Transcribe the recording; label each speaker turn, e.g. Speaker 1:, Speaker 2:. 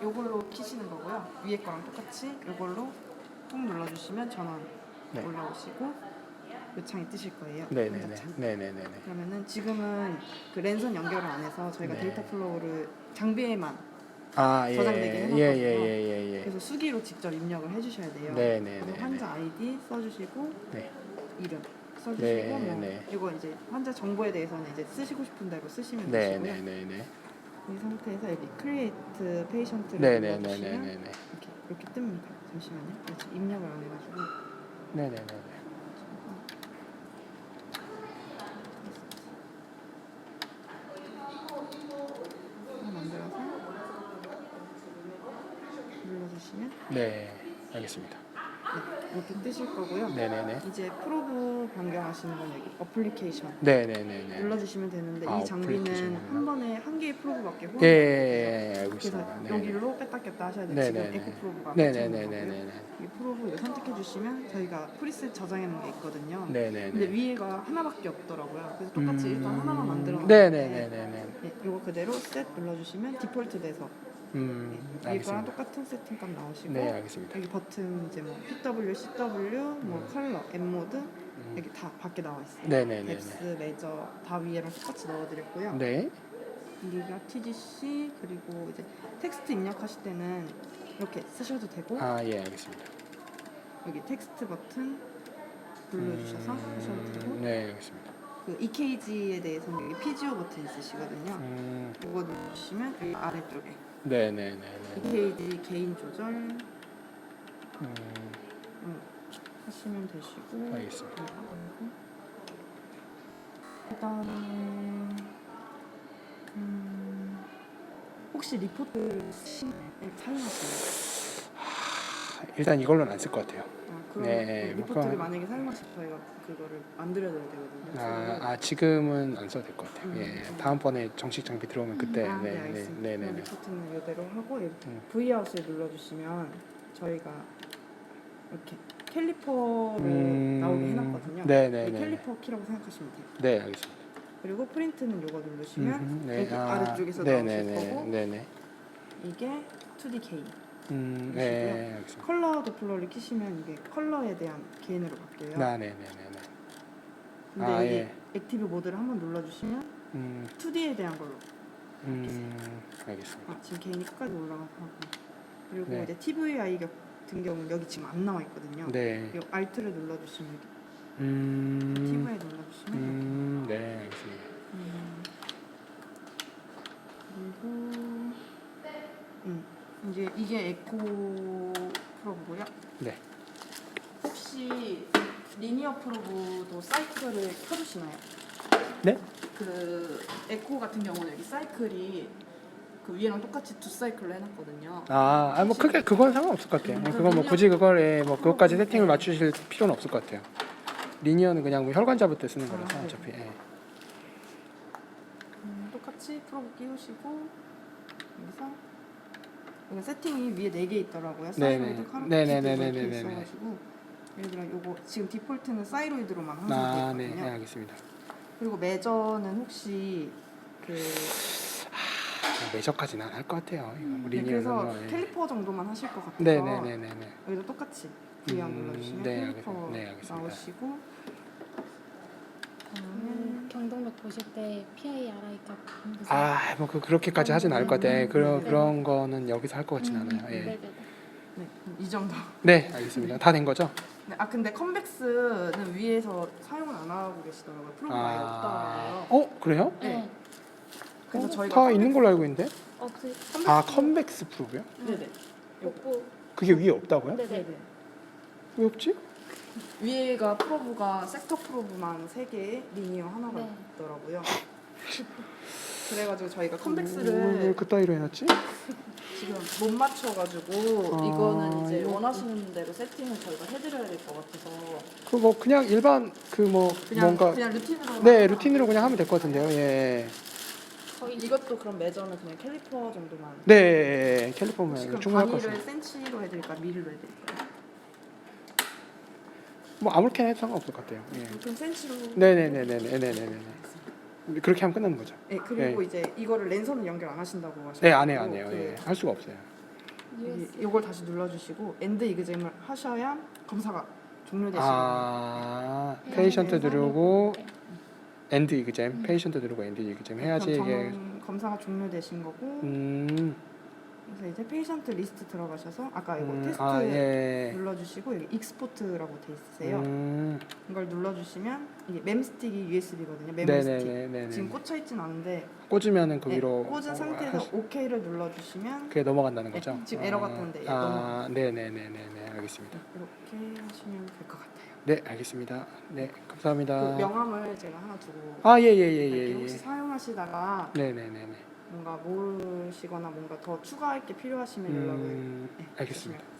Speaker 1: 요걸로 키시는 거고요. 위에 거랑 똑같이 요걸로 꾹 눌러주시면 전원
Speaker 2: 네.
Speaker 1: 올라오시고 요창이 뜨실 거예요.
Speaker 2: 네네네.
Speaker 1: 혼자창.
Speaker 2: 네네네네.
Speaker 1: 그러면은 지금은 그 랜선 연결을 안 해서 저희가
Speaker 2: 네.
Speaker 1: 데이터 플로우를 장비에만
Speaker 2: 아, 예.
Speaker 1: 저장되게 해놨거든요.
Speaker 2: 예.
Speaker 1: 그래서 수기로 직접 입력을 해주셔야 돼요.
Speaker 2: 네네네.
Speaker 1: 그래서 환자 아이디 써주시고
Speaker 2: 네.
Speaker 1: 이름 써주시고
Speaker 2: 네네.
Speaker 1: 이거 이제 환자 정보에 대해서는 이제 쓰시고 싶은 대로 쓰시면 되시고요.
Speaker 2: 네네네네.
Speaker 1: 이 상태에서 여기 크리에이트 페이션트를 눌러주시면
Speaker 2: 네네네네네.
Speaker 1: 이렇게 뜹니다. 잠시만요. 지금 입력을 안 해가지고
Speaker 2: 네네네네.
Speaker 1: 하나 만들어서 눌러주시면
Speaker 2: 네. 알겠습니다.
Speaker 1: 이렇게 뜨실 거고요.
Speaker 2: 네네네.
Speaker 1: 이제 프로브 변경하시는 건 여기 어플리케이션
Speaker 2: 네네네네.
Speaker 1: 눌러주시면 되는데
Speaker 2: 아,
Speaker 1: 이 장비는
Speaker 2: 어플리케이션이구나.
Speaker 1: 한 번에 한 개의 프로브밖에 호환
Speaker 2: 예, 알고
Speaker 1: 그래서
Speaker 2: 있습니다. 네.
Speaker 1: 여기로 뺐다 꼈다 하셔야 돼요.
Speaker 2: 네네네.
Speaker 1: 지금 에코 프로브가 꽂혀 있는 거고요.
Speaker 2: 네네네네네.
Speaker 1: 이 프로브 이거 선택해 주시면 저희가 프리셋 저장해 놓은 게 있거든요.
Speaker 2: 네네네.
Speaker 1: 근데 위에가 하나밖에 없더라고요. 그래서 똑같이 일단 하나만 만들어
Speaker 2: 네네네네네.
Speaker 1: 네, 이거 그대로 셋 눌러주시면 디폴트 돼서 위에 거랑
Speaker 2: 알겠습니다.
Speaker 1: 똑같은 세팅값 나오시고
Speaker 2: 네, 알겠습니다.
Speaker 1: 여기 버튼 이제 뭐 PW, CW, 뭐 컬러, M 모드 여기 다 밖에 나와 있어요.
Speaker 2: 네네네네.
Speaker 1: 뎁스, 메저 다 위에랑 똑같이 넣어드렸고요.
Speaker 2: 네.
Speaker 1: 여기가 TGC 그리고 이제 텍스트 입력하실 때는 이렇게 쓰셔도 되고
Speaker 2: 아, 예, 알겠습니다.
Speaker 1: 여기 텍스트 버튼 눌러주셔서 하셔도 되고
Speaker 2: 네, 알겠습니다.
Speaker 1: 그 EKG에 대해서는 여기 PGO 버튼 있으시거든요. 이거 누르시면 여기 아래쪽에
Speaker 2: 네네네네.
Speaker 1: EKG 개인 조절 하시면 되시고
Speaker 2: 알겠습니다.
Speaker 1: 그다음에 혹시 리포트 사용하시나요?
Speaker 2: 일단 이걸로는 안 쓸 것 같아요.
Speaker 1: 그럼
Speaker 2: 네,
Speaker 1: 리포트를
Speaker 2: 그럼-
Speaker 1: 만약에 사용하실 저희가 그거를 만들어드려야 되거든요.
Speaker 2: 지금은 안 써도 될 것 같아요. 예, 다음번에 정식 장비 들어오면 그때.
Speaker 1: 네, 알겠습니다. 그럼
Speaker 2: 네네네.
Speaker 1: 리포트는 이대로 하고 V아웃을 눌러주시면 저희가 이렇게 캘리퍼를 나오게 해놨거든요.
Speaker 2: 네네네.
Speaker 1: 이 캘리퍼 키라고 생각하시면 돼요.
Speaker 2: 네, 알겠습니다.
Speaker 1: 그리고 프린트는 이거 누르시면
Speaker 2: 네.
Speaker 1: 여기 아래쪽에서
Speaker 2: 네네네.
Speaker 1: 나오실 거고
Speaker 2: 네네.
Speaker 1: 이게 2D 개인
Speaker 2: 네, 알겠습니다.
Speaker 1: 컬러 도플러를 키시면 이게 컬러에 대한 개인으로 바뀌어요.
Speaker 2: 네네네네.
Speaker 1: 근데
Speaker 2: 아,
Speaker 1: 여기
Speaker 2: 예.
Speaker 1: 액티브 모드를 한번 눌러주시면 2D에 대한 걸로
Speaker 2: 알겠습니다.
Speaker 1: 지금 개인이 끝까지 올라가고 그리고
Speaker 2: 네.
Speaker 1: 이제 TVI 같은 경우는 여기 지금 안 나와 있거든요.
Speaker 2: 네.
Speaker 1: 이 Alt를 눌러주시면 여기 TVI 눌러주시면
Speaker 2: 네, 알겠습니다.
Speaker 1: 그리고 이제 이게 에코 프로브고요.
Speaker 2: 네.
Speaker 1: 혹시 리니어 프로브도 사이클을 켜주시나요?
Speaker 2: 네?
Speaker 1: 그 에코 같은 경우는 여기 사이클이 그 위에랑 똑같이 두 사이클로 해놨거든요.
Speaker 2: 뭐 크게 그건 상관없을 것 같아요. 그건 뭐 굳이 그걸 뭐 그것까지 세팅을 맞추실 필요는 없을 것 같아요. 리니어는 그냥 뭐 혈관 잡을 때 쓰는 거라서
Speaker 1: 네.
Speaker 2: 어차피. 예.
Speaker 1: 똑같이 프로브 끼우시고 여기서 여기 세팅이 위에 4개 있더라고요. 사이로이드, 카로티드 이렇게 있어가지고 예를 들어 요거 지금 디폴트는 사이로이드로만 항상
Speaker 2: 네,
Speaker 1: 되거든요.
Speaker 2: 알겠습니다.
Speaker 1: 그리고 매저는 혹시
Speaker 2: 매저까지는 안 할 것 같아요. 이거 리니어는
Speaker 1: 그래서
Speaker 2: 뭐, 예.
Speaker 1: 캘리퍼 정도만 하실 것 같아서
Speaker 2: 네네네네네.
Speaker 1: 여기도 똑같이 V안 눌러주시면
Speaker 2: 네,
Speaker 1: 캘리퍼
Speaker 2: 네, 알겠습니다.
Speaker 1: 나오시고
Speaker 3: 경동력 보실 때 PIRI 값 보세요.
Speaker 2: 뭐 그렇게까지 하진 않을 것 같아요. 그런 거는 여기서 할 것 같진 않아요. 예.
Speaker 3: 네네네.
Speaker 1: 네, 이 정도.
Speaker 2: 네, 알겠습니다. 다 된 거죠?
Speaker 1: 네, 근데 컨벡스는 위에서 사용을 안 하고 계시더라고요. 프로그램 아예 없더라고요.
Speaker 2: 그래요?
Speaker 1: 네. 그래서 저희가
Speaker 2: 다 있는 걸로 알고 있는데?
Speaker 3: 그
Speaker 2: 컨벡스 프로브요?
Speaker 1: 네네.
Speaker 3: 복부.
Speaker 2: 그게 위에 없다고요?
Speaker 3: 네네.
Speaker 2: 왜 없지?
Speaker 1: 위에가 프로브가 섹터 프로브만 3개, 리니어 하나가
Speaker 3: 네.
Speaker 1: 있더라고요. 그래가지고 저희가
Speaker 2: 왜
Speaker 1: 컨벡스를
Speaker 2: 그따위로 해놨지?
Speaker 1: 지금 못 맞춰가지고 이거는 이제 원하시는 대로 세팅을 저희가 해드려야 될 것 같아서
Speaker 2: 그 뭐 그냥 일반 뭔가
Speaker 1: 그냥 루틴으로
Speaker 2: 네 루틴으로 그냥 하면 될 것 같은데요. 예.
Speaker 1: 이것도 그럼 매저는 그냥 캘리퍼 정도만
Speaker 2: 네, 캘리포니아
Speaker 1: 지금
Speaker 2: 충분할 것
Speaker 1: 단위를
Speaker 2: 같습니다.
Speaker 1: 센치로 해드릴까 미리로 해드릴까요?
Speaker 2: 뭐 아무렇게나 해도 상관없을 것 같아요. 예.
Speaker 1: 그럼 센치로
Speaker 2: 네네네네네네네. 그렇게 하면 끝나는 거죠.
Speaker 1: 네 그리고 이제 이거를 랜선은 연결 안 하신다고 하셨고
Speaker 2: 네, 안 해요. 예. 할 수가 없어요.
Speaker 1: 이걸 다시 눌러주시고 엔드 이그잼을 하셔야 검사가 종료되시거든요.
Speaker 2: 아,
Speaker 1: 네.
Speaker 2: 페이션트
Speaker 1: 네.
Speaker 2: 누르고 엔드 이그잼, 페이션트 누르고 엔드 이그잼 해야지
Speaker 1: 그럼
Speaker 2: 이게
Speaker 1: 검사가 종료되신 거고
Speaker 2: 음,
Speaker 1: 그래서 이제 페이션트 리스트 들어가셔서 아까 이거 테스트
Speaker 2: 아, 예.
Speaker 1: 눌러주시고 여기 익스포트라고 돼 있으세요.
Speaker 2: 음,
Speaker 1: 이걸 눌러주시면 이게 멤스틱이 USB거든요. 메모
Speaker 2: 네네네,
Speaker 1: 스틱.
Speaker 2: 네네.
Speaker 1: 지금 꽂혀 있진 않은데
Speaker 2: 꽂으면은 그
Speaker 1: 네,
Speaker 2: 위로
Speaker 1: 꽂은 상태에서 OK를 눌러주시면
Speaker 2: 그게 넘어간다는
Speaker 1: 네,
Speaker 2: 거죠?
Speaker 1: 지금 에러가 떴는데
Speaker 2: 아, 네네네네네, 알겠습니다.
Speaker 1: 이렇게 하시면 될 것 같아요.
Speaker 2: 네, 알겠습니다. 네, 감사합니다.
Speaker 1: 그 명함을 제가 하나 두고
Speaker 2: 아, 예, 예,
Speaker 1: 갈게요.
Speaker 2: 예, 예,
Speaker 1: 혹시
Speaker 2: 예.
Speaker 1: 사용하시다가
Speaker 2: 네네네네.
Speaker 1: 뭔가 모르시거나 뭔가 더 추가할 게 필요하시면 연락을 네,
Speaker 2: 알겠습니다.